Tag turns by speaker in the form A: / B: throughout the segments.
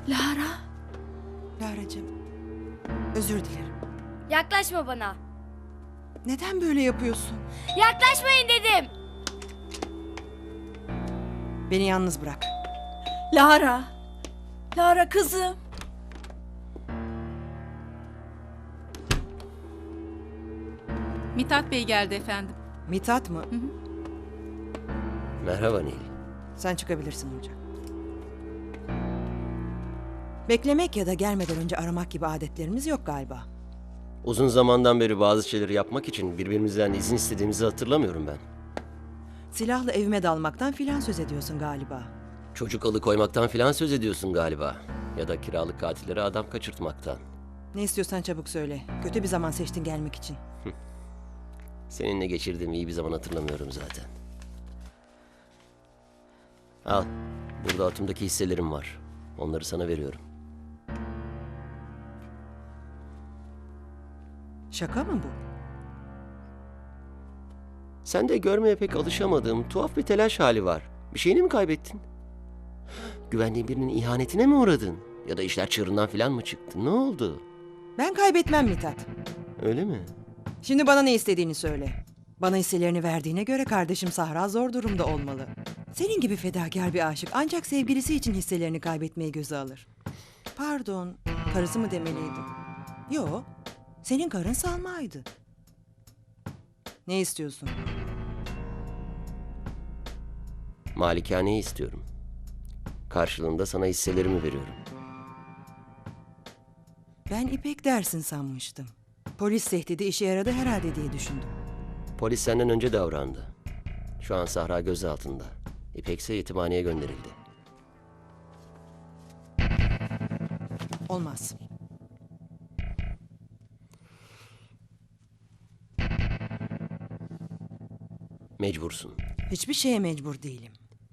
A: Lara.
B: Laracığım, özür dilerim.
C: Yaklaşma bana.
B: Neden böyle yapıyorsun?
C: Yaklaşmayın dedim.
B: Beni yalnız bırak.
A: Lara. Lara kızım.
D: Mithat Bey geldi efendim.
B: Mithat mı?
E: Merhaba Nil.
B: Sen çıkabilirsin hocam. Beklemek ya da gelmeden önce aramak gibi adetlerimiz yok galiba.
E: Uzun zamandan beri bazı şeyleri yapmak için birbirimizden izin istediğimizi hatırlamıyorum ben.
B: Silahla evime dalmaktan filan söz ediyorsun galiba.
E: Çocuk alıkoymaktan filan söz ediyorsun galiba. Ya da kiralık katillere adam kaçırtmaktan.
B: Ne istiyorsan çabuk söyle. Kötü bir zaman seçtin gelmek için.
E: Seninle geçirdiğim iyi bir zaman hatırlamıyorum zaten. Al, burada atımdaki hisselerim var. Onları sana veriyorum.
B: Şaka mı bu?
E: Sen de görmeye pek alışamadığım tuhaf bir telaş hali var. Bir şeyini mi kaybettin? Güvendiğin birinin ihanetine mi uğradın? Ya da işler çığırından filan mı çıktı? Ne oldu?
B: Ben kaybetmem Mithat.
E: Öyle mi?
B: Şimdi bana ne istediğini söyle. Bana hisselerini verdiğine göre kardeşim Sahra zor durumda olmalı. Senin gibi fedakar bir aşık ancak sevgilisi için hisselerini kaybetmeyi göze alır. Pardon, karısı mı demeliydim? Yo, senin karın Salma'ydı. Ne istiyorsun?
E: Malikaneyi istiyorum. Karşılığında sana hisselerimi veriyorum.
B: Ben İpek dersin sanmıştım. Polis tehdidi işe yaradı herhalde diye düşündüm.
E: Polis senden önce davrandı. Şu an Sahra gözaltında. İpek ise yetimhaneye gönderildi.
B: Olmaz.
E: Mecbursun.
B: Hiçbir şeye mecbur değilim.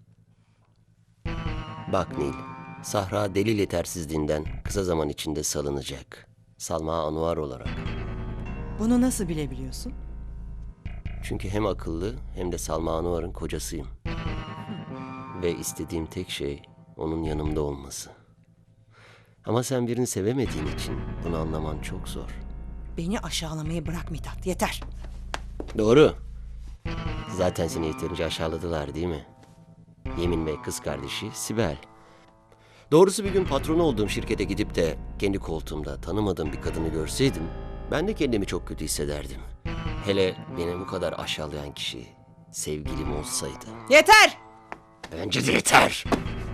E: Bak Nil, Sahra delil yetersizliğinden kısa zaman içinde salınacak. Salma Anuar olarak.
B: Bunu nasıl bilebiliyorsun?
E: Çünkü hem akıllı hem de Salma Anuar'ın kocasıyım. Ve istediğim tek şey onun yanımda olması. Ama sen birini sevemediğin için bunu anlaman çok zor.
B: Beni aşağılamayı bırak Mithat, yeter.
E: Doğru. Zaten seni yeterince aşağıladılar değil mi? Yemin ve kız kardeşi Sibel. Doğrusu bir gün patron olduğum şirkete gidip de kendi koltuğumda tanımadığım bir kadını görseydim, ben de kendimi çok kötü hissederdim. Hele beni bu kadar aşağılayan kişi sevgilim olsaydı.
B: Yeter!
E: Bence de yeter.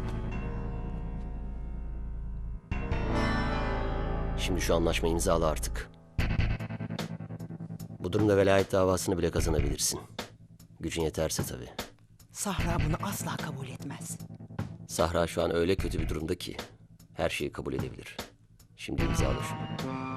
E: Şimdi şu anlaşmayı imzala artık. Bu durumda velayet davasını bile kazanabilirsin. Gücün yeterse tabii.
B: Sahra bunu asla kabul etmez.
E: Sahra şu an öyle kötü bir durumda ki her şeyi kabul edebilir. Şimdi imzala şunu.